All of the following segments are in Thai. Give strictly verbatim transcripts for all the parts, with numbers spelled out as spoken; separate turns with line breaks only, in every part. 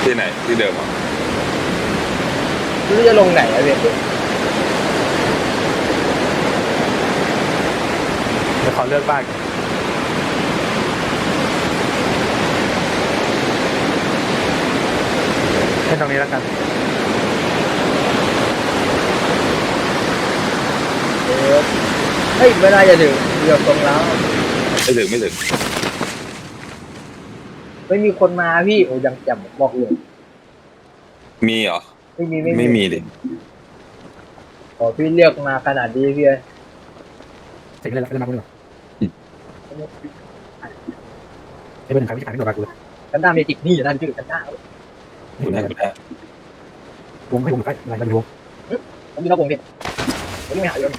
ที่ไหนที่เดิมอ่ะ
ไม่รู้จะลงไหนอะเพี่
เดี๋ยวขอเลือกบ้านแค่ตรงนี้แล้วกัน
เออเฮ้ยไม่น่าจะถึงเดี๋ยวตรงแล้ว
ไม่ถึงไม่ถึง
ไม่มีคนมาพี่โอ้ยังจำบอกเลย
มีเหรอ
ไม่มีไม่
ไม่มีดิ
ขอพี่เลือกมาขนาดนี้พี่
เสร็จเลยแล้วมาคุณหรอไอ้เบอร์หนึ่งใครไม่ขายไม่โดนมากูเลย
กันด้าเมจิกนี่อยู่นั่นชื่อกันด้า
อยู่ได้อยู่ได้
วงให้วงใกล้อะไรกันวง
ผมมีนอกวงพี่ผมไม่หาเยอะ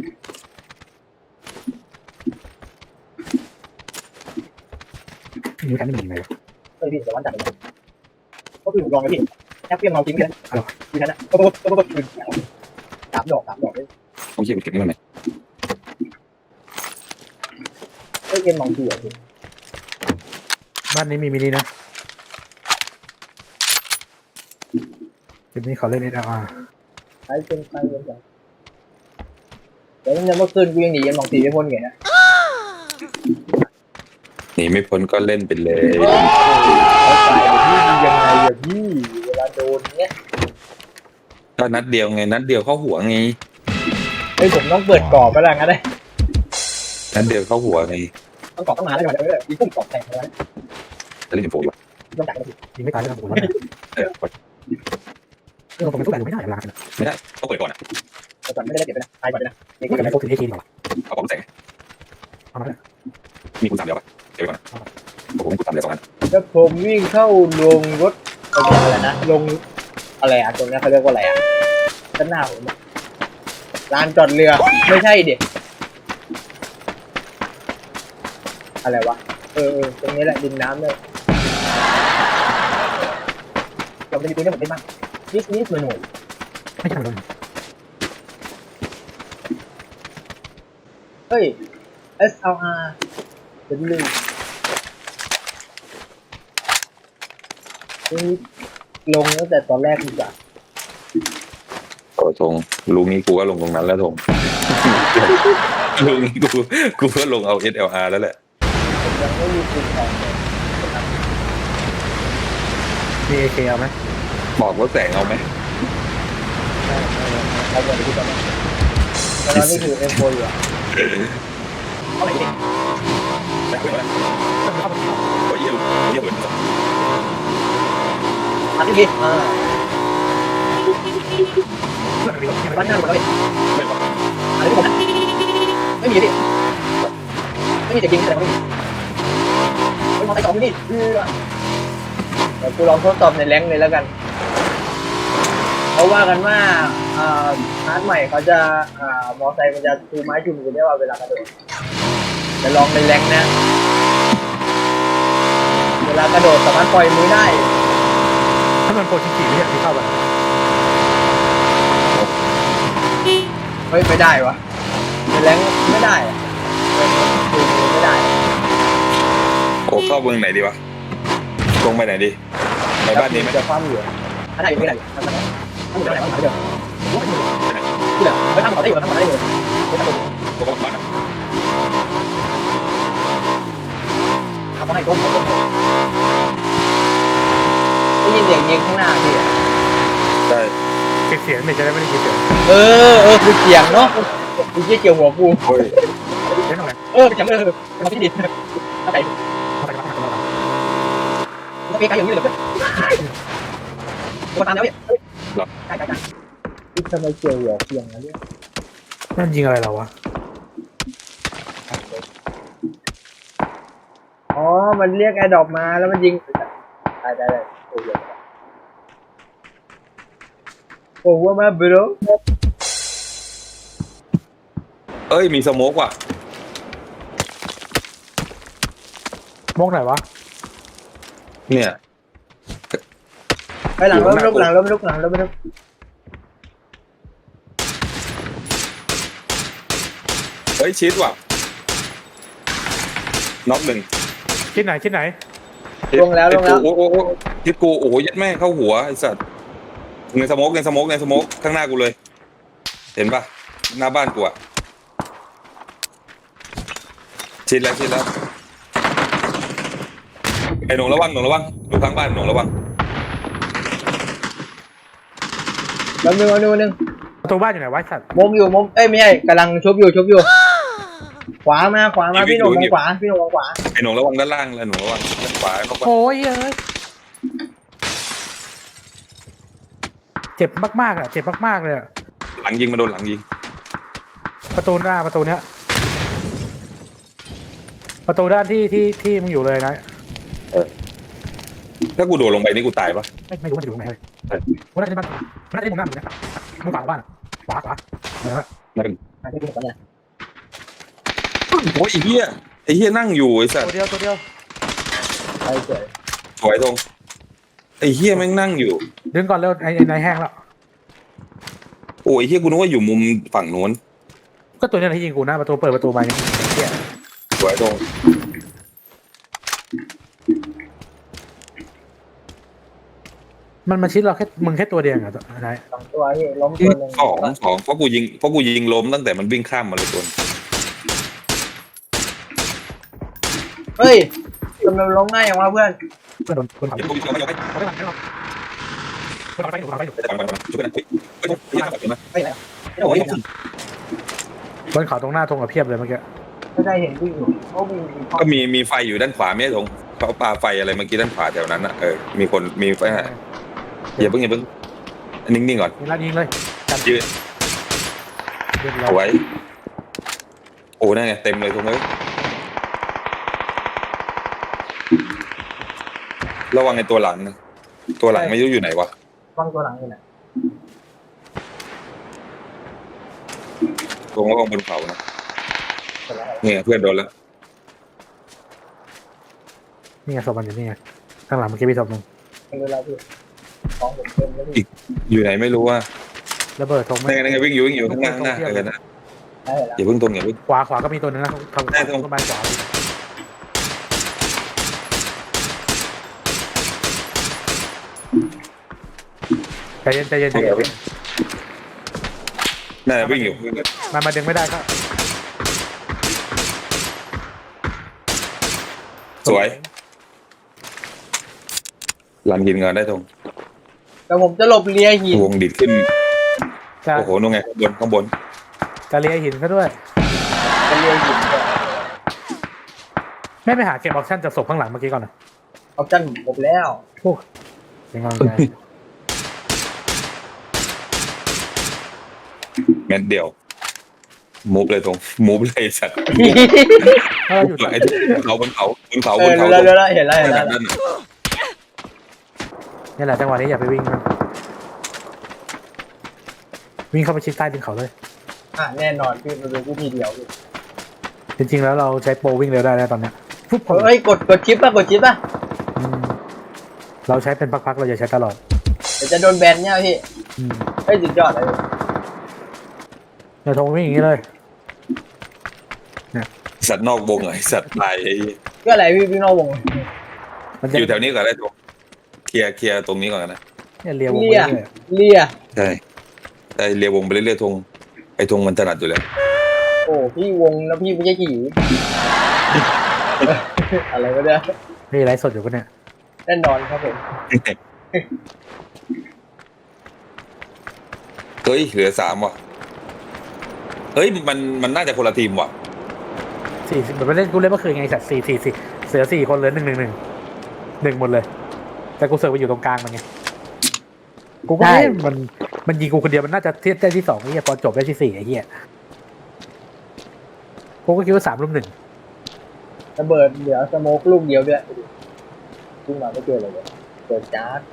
นี่แค่ไม่เป็นยังไงวะ
เฮ้ยพี่แต่วันจัดเลยก็คือผมลองเลยพี่แค่เพียงเมาทิ้งแค่นั้นอยู่นั่นนะก็ก็ก็ก็คือสามดอกสามดอกเลย
ผมคิดว่าเก็บนี่มันไหน
เฮ้ยเกมมองทีอ่ะพี่
บ้านนี้มีมินินะจุดนี้ขอเล่นเอสอาร์
ใช้เป็นใช้เป็นอย่างเดี๋ยวยังเมื่อคืนกูยังหนียังมองทีไม่พ้นไงนะ
หนีไม่พ้นก็เล่นไปเลย
เขาตายพี่ยังไงอะพี่เวลาโดนเนี้ย
ก็นัดเดียวไงนัดเดียวเข้าหัวไง
เฮ้ยผมต้องเปิดกรอบไปแล้วงั้นเลย
นัดเดียวเข้าหัวไง
ต้องกรอบต้องมาแล้วก่อนเดี๋ยวมีพุ่งกรอบแตกแล้ว
จะเล่นโฟอยู่
ต้องจ่าย
ยิงไม่ตายแล้วผมว่า
เออ
เรื่องผมทุกอย่างไม่ได้เวลา
ไม่ได้ต้องเปิดก่อนอ่ะ
แต่ก่อนไม่ได้เก็บไปนะตายก่อนเลยนะ
นี่ก็ไม่พกถึงเอทีดีกว่า
เอาของแสง
เอามาเลย
มีคุณสามเดียวป่ะเก็บไปก่อนผมมีคุณสามเดียวสองอัน
แล้วผมวิ่งเข้าลงรถอะไรนะลงอะไรอ่ะตรงนี้เขาเรียกว่าอะไรอ่ะด้านหน้าผมลานจอดเรือไม่ใช่เด็กอะไรวะเออตรงนี้แหละดินน้ำเลยเราจะมีตัวนี้ผมได้บ้างนิดนิดหน่อยหน่อย
ไม่ใช่เลย
เฮ้ย เอส แอล อาร์ เป็นลืมลงตั้งแต่ตอนแรกดีกว่า
โอ้ทงลุงนี้กูก็ลงตรงนั้นแล้วทงลุงนี้กูกูก็ลงเอา เอส แอล อาร์ แล้วแหละ
ยังไม่มีคุณของ
มีเอเคเอาไหม
บอกว่าแสงเอาไหม
เอาไปดูกันนะตอนนี้คือเอ็มโฟอยู่อ่ะเอาไหนดิ
แสงเอาไหมโอ้ยเยี่ยมเยี่ยมเหมือนกัน
อันนี้ดิอ่าบ้านหน้าหมดเลย
ไม่บอก
อันนี้ผมนะไม่มีดิไม่มีแต่ยิงแต่ไม่มีไม่มองไปสองนี่เดี๋ยวกูลองทดสอบในแรงเลยแล้วกันเขาว่ากันว่าอ่าฮาร์ดใหม่เขาจะอ่ามอไซค์มันจะชูไม้ชูมือได้ว่าเวลากระโดดจะลองในแรงนะเวลากระโดดสามารถปล่อยมือได้
ถ้ามันโปรชิกิไม่อยากที่เข้าไป
เฮ้ยไม่ได้วะในแรงไม่ได้ชูมือไม่ได้
โอ้เข้าเมืองไหนดีวะตรงไปไหนดีไปบ้านนี้ไหม
จะความเหลือถ้าได้ยังไม่ได้ทำอะไรทำอะไรทำอะไรเดี๋ยวที่เหลือไม่ทำต่อได้อยู่ทำต่อได้อยู่ไม่ทำต่อ
ก็บ้าน
ทำให้ก้มได้ยินเสียงยิงข้างหน้าพี่
ใช่
เสียงไม่จะได้ไม่ได้ยินเสียง
เออเออคือเสียงเนาะกูเกี่ยวหัวกู
เล่นอะไร
เออจำเออทำที่ดินเข้าใจต้องมีการอย่างนี้เลยเพื่อนตัวตามแล้วเนี่ย
หรอ
ใช่ใช่ใช่ที่ทำไมเกี่ยวหัวเสียงนะเนี่ย
นั่นยิงอะไรเราวะ
อ๋อมันเรียกแอร์ดรอปมาแล้วมันยิงได้ได้ได้โอ้ยโอ้ว่ามาบรู
เอ้ยมีสโมกว่ะ
มกไหนวะ
เนี่ย
ไปหลังรถลุกหลังรถลุกหลังรถลุก
เฮ้ยชิดว่ะน็อกหนึ่ง
ชิดไหนชิดไหน
ลงแล้วลงแล้ว
โอ้โหทิศกูโอ้โหยัดแม่เข้าหัวไอ้สัตว์ในสโมกในสโมกในสโมกข้างหน้ากูเลย เห็นปะหน้าบ้านกูอะชิดแล้วชิดแล้วไอ้หนงระวังหนงระวังดูข้างบ้านหนงระวัง
แป๊บนึงแป๊บนึงแป๊บนึง
ประตูบ้านอยู่ไหนวะไอ้สัตว์
มุมอยู่มุมเอ้ยไม่ใช่กำลังชุบอยู่ชุบอยู่ขวามาขวามาพี่หนุ่มมองขวาพี่หนุ่มมองขวา
ไอ้หนงระวังด้านล่างแล้วหนงระวังด้านขวาเข้าไป
โอ้ยเอ้ยเจ็บมากๆอ่ะเจ็บมากๆเลยอะ
หลังยิงมาโดนหลังยิง
ประตูหน้าประตูเนี้ยประตูด้านที่ที่ที่มึงอยู่เลยนะ
ถ้ากูโดดลงไปนี่กูตายปะ
ไม่ไม่รู้มันจะอยู่ตรงไหนเลยกูน่าจะได้บ้านกูน่าจะได้มุมหน้ามึงนะมุมขวาของบ้านอะขวาขวาเออ
นั่น
อ่ะพี่หนุ่มก่อนเนี่ย
โอ้ยไอ้เหี้ยไอ้เหี้ยนั่งอยู่ไอ้สัต
ตัว
ว์
เดียวตัวเดียว
ไปเฉย
สวยตรงไอ้เหี้ยแม่งนั่งอยู่
ดึงก่อนเร็วไอ้ไอ้นายแห้งแล้ว
โอ้ยไอ้เหี้ยกูนึกว่าอยู่มุมฝั่งนู้น
ก็ตัวเนี้ยที่ยิงกูนะประตูเปิดประตูมาเนี่ยเหี้ย
สวยตรง
มันมาชิดเราแค่มึงแค่ตัวเดียวเหรอตัวนาย
สองตัวพี่ล้มตัวหนึ่ง
สองสองเพราะกูยิงเพราะกูยิงล้มตั้งแต่มันวิ่งข้ามมาเลยตัว
เฮ้ยทำไมมันล้มง่ายอย่างวะเพื่อน
เพื่อนโดนโดนเผา
เดี๋ยวกูจะไปเอาไป
เขาได้หลังได้หรอโดนเผาไปโดนเผาไปอยู่
ไปไปไปช่วยกันเฮ้ยเฮ้ยเฮ้ยขับมา
ไม่ไหน
โอ้ย
บนเขาตรงหน้าตรงกับเพียบเลยเมื่อกี้
ไม่ได้เห็นวิ่งอยู่เขาวิ่งมีข้อ
ก็มีมีไฟอยู่ด้านขวาไม่ใช่ตรงเขาปาไฟอะไรเมื่อกี้ด้านขวาแถวนั้นอ่ะเออมีคนมีไฟอย่าเพิ่งอย่าเพิ่งนิ่งๆก่อน
มีลายิงเลยกัน
ยืน
เรียบร้อ
เอา
ย
ไว้โอ้นั่นไงเต็มเลยตรงนี้ระวังในตัวหลังนะตัวหลังไม่รู้อยู่ไหนวะ
ฟังตัวหลังอยู่ไหน
ตรงระวังบนเขานะ
เสร็จแล้ว
เนี่ยเพื่อนโดนแล้ว
นี่ไงศพมันอยู่นี่ไงข้างหลังเมื่อกี้มีศพหนึ่ง
ไม่รู้แล้วพี่ของผมเต็มแล้วพี่
อยู่ไหนไม่รู้ว่า
ระเบิดธง
นั่นไงนั่นไงวิ่งอยู่วิ่งอยู่ข้างหน้าข้างหน้าเออนะ
ได้แล้ว
อย่าเพิ่งตรงอย่าเพิ่ง
ขวาขวาก็มีตัวหนึงนะทาง
ได้ตรง
ต้นไม้ขวาใจเย็นใจเย็นใจเย็น
นั่นแหละวิ่งอยู่
มันมาดึงไม่ได้ก็
สวยหลังหินเงินได้ตรง
แต่ผมจะหลบเลียหิน
วงดิดขึ้น
จะ
โอ้โหนู่นไงข้างบนข้างบน
จะเลียหินซะด้วย
จะเลียหินเนี่ย
ไม่ไปหาเก็บออปชั่นจากศพข้างหลังเมื่อกี้ก่อนนะ
ออปชั่นผมแล้ว
โอ้เป็นกำลังใจ
แมนเดียวมูฟเลยตรงมูฟเลยสัตว์
ถ้าเราอยู่
ไอ้เขาบนเขาบนเขา
เอบ อน
เขา
รู้แล้วรู้แล้วเห็นแล้วเห็น
นั่
แล้ว
นนั่น
นี่แหละจังหวะนี้อย่าไปวิ่งมันวิ่งเข้าไปชิดใต้ดินเขาเลย
อ่ะแน่นอนพี่มันเป็นวิธีเดียวพี่
จริงๆแล้วเราใช้โปรวิ่งเร็วได้แล้วตอนเนี้ยปุ๊บผม
เฮ้ยกดกดชิปป่ะกดชิปป่ะ
อืมเราใช้เป็นพักๆเราอย่าใช้ตลอด
เดี๋ยวจะโดนแบนเนี่ยพี่
อืม
เฮ้ยสุดยอดเลย
เดี๋ยวโทรวิ่งอย่างนี้เลย
สัตว์นอกวงไอ้สัตว์ตายไอ้
ก็อะไรพี่พี่นอกวง
มันจะ
อยู่แถวนี้ก่อนได้ตรงเคลียร์เคลียร์ตรงนี้ก่อนนะ
เนี่ยเลียววง
เลี
ไป
ย
เรื่อย
เลีย
ใช่แต่เรียววงไปเรื่อยๆทงไอ้ทงมันถนัดอยู่แล้ว
โอ้พี่วงแล้วพี่ไม่ใช่ขี่ อะไรก็ได้
ๆนี่ไลฟ์สดอยู่ปะเนี่ย
แน่นอนครับผม
เฮ้ยเหลือสามว่ะเฮ้ยมันมันน่าจะคนละทีมว่ะ
สี่สิบเหมือนไปเล่นกูเล่นเมื่อคืนไงสัตว์สี่สี่สี่เสือสี่คนเลยหนึ่งหนึ่งหนึ่งหนึ่งหมดเลย แต่กูเสือไปอยู่ตรงกลางมันไงกูก็เล่นมันมันยิงกูคนเดียวมันน่าจะเทียบได้ที่สองไอ้เหี้ยพอจบได้ที่สี่ไอ้เหี้ยกูก็คิดว่าสามรุ่มหนึ่ง
ระเบิดเดี๋ยวสโมกลูกเดียวด้วยขึ้นมาไม่เจอเลยเลยเจอจ้าร์ด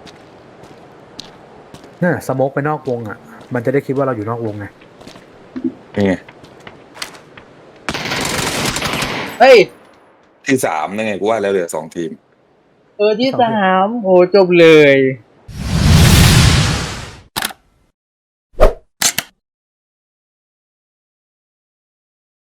น่ะสโมกไปนอกวงอ่ะ มันจะได้คิดว่าเราอยู่นอกวงไง
นี่ไง
เฮ้ย
ที่สามนั่นไงกูว่าแล้วเหลือสองทีม
เออที่สามโอ้จบเลย